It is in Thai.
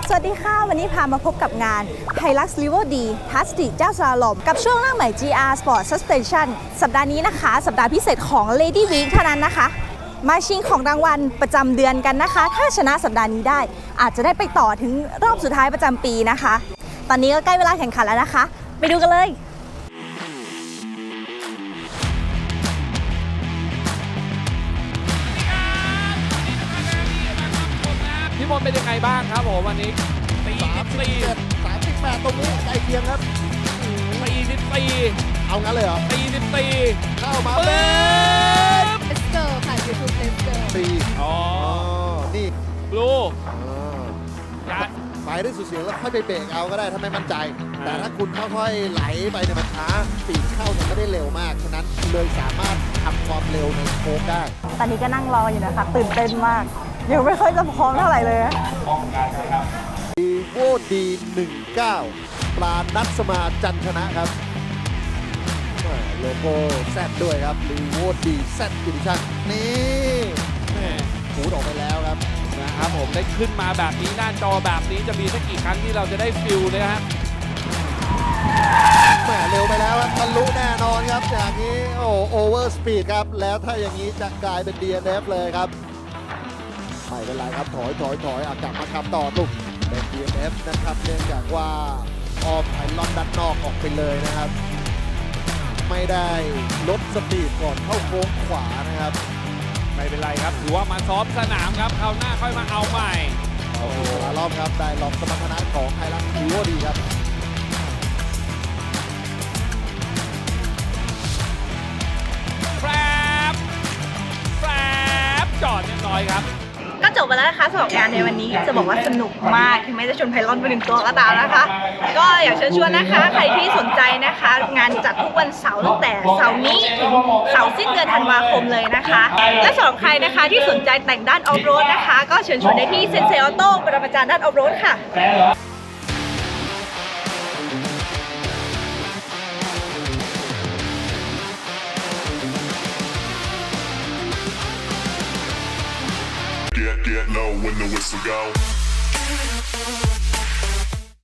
สวัสดีค่ะวันนี้พามาพบกับงาน Hilux River D Touch เจ้าสลาลอมกับช่วงล่างใหม่ GR Sport Suspension สัปดาห์นี้นะคะสัปดาห์พิเศษของ Lady Week เท่านั้นนะคะมาชิงของรางวัลประจำเดือนกันนะคะถ้าชนะสัปดาห์นี้ได้อาจจะได้ไปต่อถึงรอบสุดท้ายประจำปีนะคะตอนนี้ก็ใกล้เวลาแข่งขันแล้วนะคะไปดูกันเลยพี่มนต์เป็นยังไงบ้างครับผมวันนี้ 38ตรงนี้ใกล้เคียงครับ 44 เอางั้นเลยเหรอ 44 เข้ามาเป็นเลสเตอร์ค่ะ YouTube เลสเตอร์ตีอ๋อนี่บลูยัดไปได้สุดเสียงแล้วค่อยไปเบรกเอาก็ได้ถ้าไม่มั่นใจแต่ถ้าคุณค่อยๆไหลไปเนี่ยมันช้าปีกเข้าจะไม่ได้เร็วมากฉะนั้นเลยสามารถทำความเร็วในโค้งได้ตอนนี้ก็นั่งรออยู่นะคะตื่นเต้นมากยังไม่ค่อยจะพร้อมเท่าไหร่เลยดีโวดี19ปลานัทสมาจันชนะครับโลโก้แซดด้วยครับรีโวดีแซดดิชั่นนี่หูดออกไปแล้วครับนะครับผมได้ขึ้นมาแบบนี้หน้าจอแบบนี้จะมีสักกี่ครั้งที่เราจะได้ฟิลเลยฮะแหมเร็วไปแล้วครับทะลุแน่นอนครับจากนี้โอเวอร์สปีดครับแล้วถ้าอย่างนี้จะกลายเป็น DNF เลยครับไม่เป็นไรครับถอยกลับมาทำต่อตุกเป็น DNF นะครับเนื่องจากว่าออมไพลอนด้านนอกออกไปเลยนะครับไม่ได้ลดสปีดก่อนเข้าโค้งขวานะครับไม่เป็นไรครับถือว่ามาซ้อมสนามครับคราวหน้าค่อยมาเอาใหม่โอ้โหรอบครับได้ลองสมรรถนะของไฮลักซ์ดีโวดีครับแฟบจอดเรียบร้อยครับก็จบไปแล้วนะคะสำหรับงานในวันนี้จะบอกว่าสนุกมากถึงแม้จะชนไพลอนไปหนึ่งตัวก็ตามนะคะก็อยากเชิญชวนนะคะใครที่สนใจนะคะงานจัดทุกวันเสาร์ตั้งแต่เสาร์นี้ถึงเสาร์สิ้นเดือนธันวาคมเลยนะคะและสำหรับใครนะคะที่สนใจแต่งด้านออฟโรดนะคะก็เชิญชวนได้ที่เซนเซออโต้ปรมาจารย์ด้านออฟโรดค่ะ Get low when the whistle go.